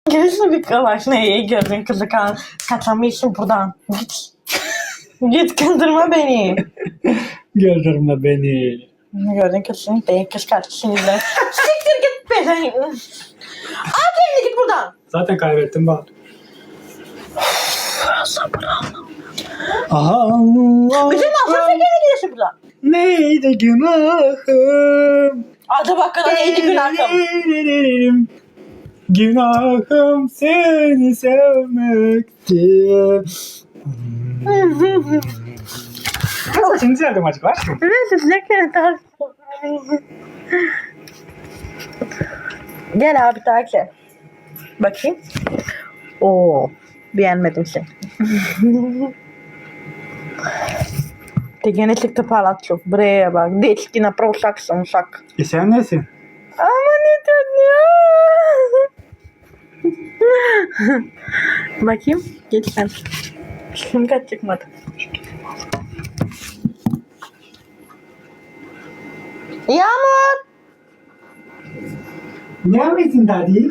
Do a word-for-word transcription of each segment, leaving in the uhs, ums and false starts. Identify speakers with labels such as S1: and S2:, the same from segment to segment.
S1: Gelirse bir kalaş neye gördün kızı kan. Kaçamıyorsun buradan. Git. Git kandırma beni.
S2: Güldürme beni.
S1: Gördün kızın beni kıskanç sinirler. Siktir git be sen. Al kendini git buradan.
S2: Zaten kaybettim bak.
S1: Sabır
S2: Aha.
S1: Bizim mahsul sen gene gidiyorsun buradan.
S2: Neydi günahım?
S1: Adı bakkala neydi günahım?
S2: Günahım seni sevmekti. Nasıl şimdi geldim acık var?
S1: Neyse ne kadar. Gel abi takip. Bakayım. Oo, beğenmedim seni. Ty gene çıktı palatço. Buraya bak. Dečki napravo sam šak.
S2: E sen nesin?
S1: Ama ne tatlı. Bakayım. Geç sen. Şimdi kaç çıkmadı. Yağmur.
S2: Ne yapıyorsun daddy?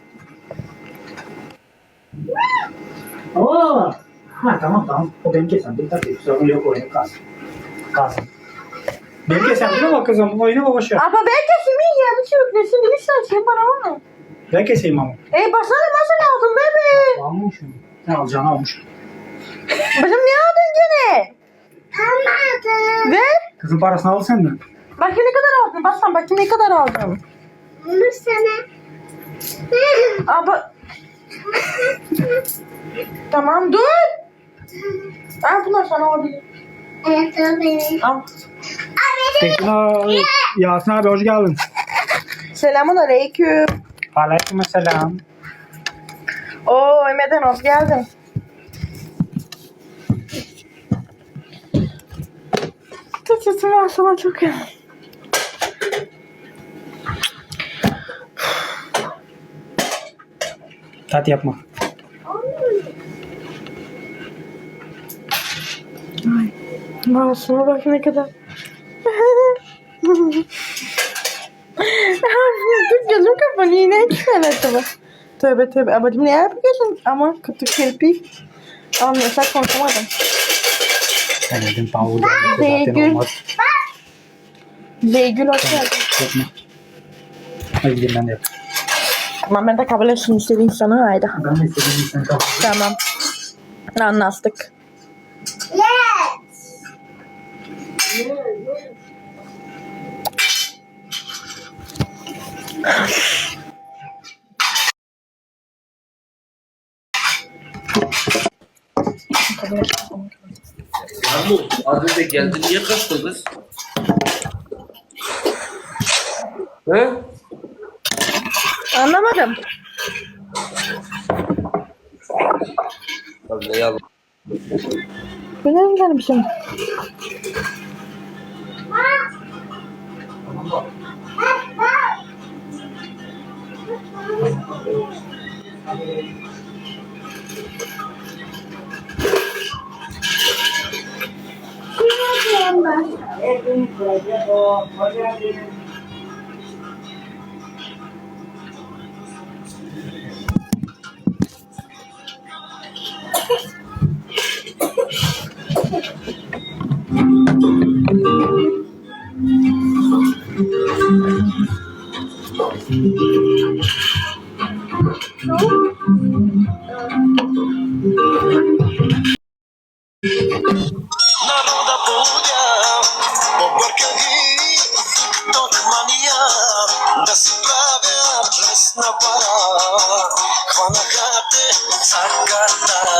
S2: Oo. Ha tamam tamam. O benim kesemdim tabii. Sorun yok oyunu kalsın. Kalsın. Benim kesemdim ama kızım oyunu boş ver.
S1: Ama ben kesimiyim ya. Bu çocuk ne şimdi bir saçma bana var.
S2: Ben keseyim ama.
S1: E basana masa lazım bebe.
S2: Almışım. Ne alacağını almış.
S1: Başım ne aldın gene? Almadım. Ver.
S2: Kızın parasını al senden.
S1: Bakayım ne kadar aldın. Bassan bakayım ne kadar aldın.
S3: Bunu sana.
S1: Ama... Tamam dur. Al bunlar sana olabilir.
S3: Evet, o benim.
S1: Al.
S2: Tekno Yasin abi hoş geldin.
S1: Selamun aleyküm.
S2: Aleykümselam.
S1: Oo Emre'den hoş geldin. Türkçesi var sana çok iyi.
S2: Tat yapma.
S1: Ay. Masuma bak ne kadar. Dur gözüm kapanıyor yine çıkar acaba. Tövbe tövbe abacım ne yapıyorsun? Ama kötü kirpi. Anlıyorsak konuşamadım.
S2: Ben dedim Paul.
S1: Beygül. Beygül hoş geldin.
S2: Yapma. Hadi gidin ben de yapayım.
S1: Tamam ben de kabul etsin istediğin sana haydi.
S2: Ben de istediğim sen kal.
S1: Tamam. Anlaştık.
S3: Yes.
S4: Yağmur az önce geldi niye kaçtın kız? He?
S1: Anlamadım.
S4: Abi ne yalan.
S1: Bu ne güzel bir şey.
S5: Naroda południa, poborka giri, tokmania, da sprawia czesna para, chwana chaty, zakata.